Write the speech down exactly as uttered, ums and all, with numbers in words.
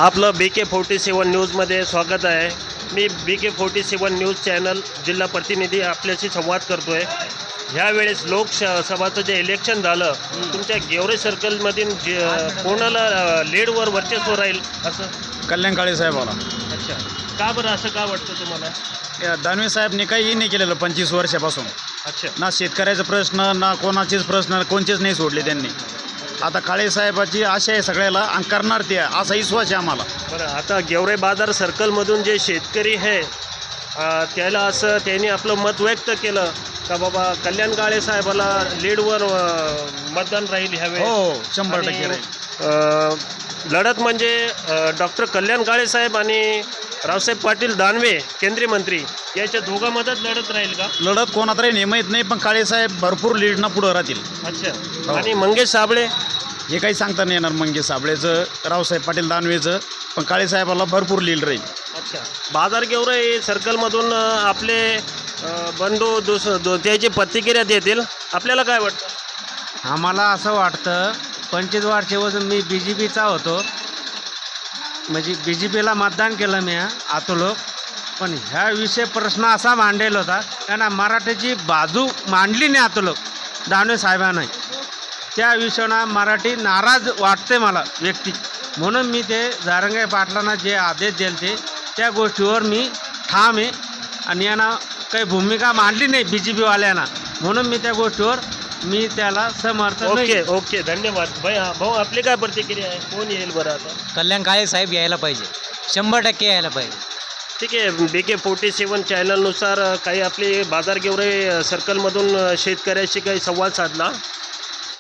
आपलं बी K forty सेवन न्यूजमध्ये स्वागत आहे. मी B K forty seven news channel जिल्हा प्रतिनिधी आपल्याशी संवाद करतो आहे. ह्यावेळेस लोकसभाचं जे इलेक्शन झालं, तुमच्या गेवरे सर्कलमधील जे कोणाला लीडवर वर्चस्व राहील असं? कल्याण काळे साहेबाला. अच्छा, का बरं असं का वाटतं तुम्हाला? या दानवे साहेबने काहीही नाही केलेलं पंचवीस वर्षापासून. अच्छा, ना शेतकऱ्याचा प्रश्न ना कोणाचेच प्रश्न कोणतेच नाही सोडले त्यांनी. आता काळे साहेबाची आशा आहे सगळ्याला आणि करणार ते असा विश्वास आहे आम्हाला. बरं, आता गेवरे बाजार सर्कलमधून जे शेतकरी आहे अ, त्याला असं त्यांनी आपलं मत व्यक्त केलं का बाबा कल्याण काळे साहेबाला लीडवर अ, मतदान राहील ह्यावेळेस. हो, शंभर आणि, टक्के राहील. अ, लढत म्हणजे डॉक्टर कल्याण काळे साहेब आणि रावसाहेब पाटील दानवे केंद्रीय मंत्री याच्या दोघांमध्येच लढत राहील का? लढत कोणात राहील हे माहीत नाही, पण काळे साहेब भरपूर लीडनं पुढं राहतील. अच्छा, हो. आणि मंगेश साबळे? हे काही सांगता नाही येणार मंगेश साबळेचं रावसाहेब पाटील दानवेचं, पण काळे साहेबाला भरपूर लीड राहील. अच्छा, बाजार गेवरे सर्कलमधून अ, आपले अ, बंधू दुस दो त्याची प्रतिक्रिया देतील. आपल्याला काय वाटतं? आम्हाला असं वाटतं पंचवीस वर्षापासून मी बी जे पीचा होतो, म्हणजे बी जे पीला मतदान केलं मी आतोलोक. पण ह्या विषय प्रश्न असा मांडलेला होता कारण मराठीची बाजू मांडली नाही आतोलोक दानवे साहेबांना. त्या विषयानं मराठी नाराज वाटते मला व्यक्ती, म्हणून मी ते जारंगे पाटलांना जे आदेश दिले ते त्या गोष्टीवर मी ठाम आहे. आणि यांना काही भूमिका मांडली नाही बी जे पीवाल्यांना, म्हणून मी त्या गोष्टीवर मी त्याला समर्थन नाही. ओके ओके, धन्यवाद भाई. हा भाऊ, आपली काय प्रतिक्रिया आहे? कोण येईल बरं आता? कल्याण काळे साहेब यायला पाहिजे, शंभर टक्के यायला पाहिजे. ठीक आहे. बी के फोर्टी सेवन चॅनलनुसार काही आपले बाजार गेवरे सर्कलमधून शेतकऱ्याशी काही संवाद साधला.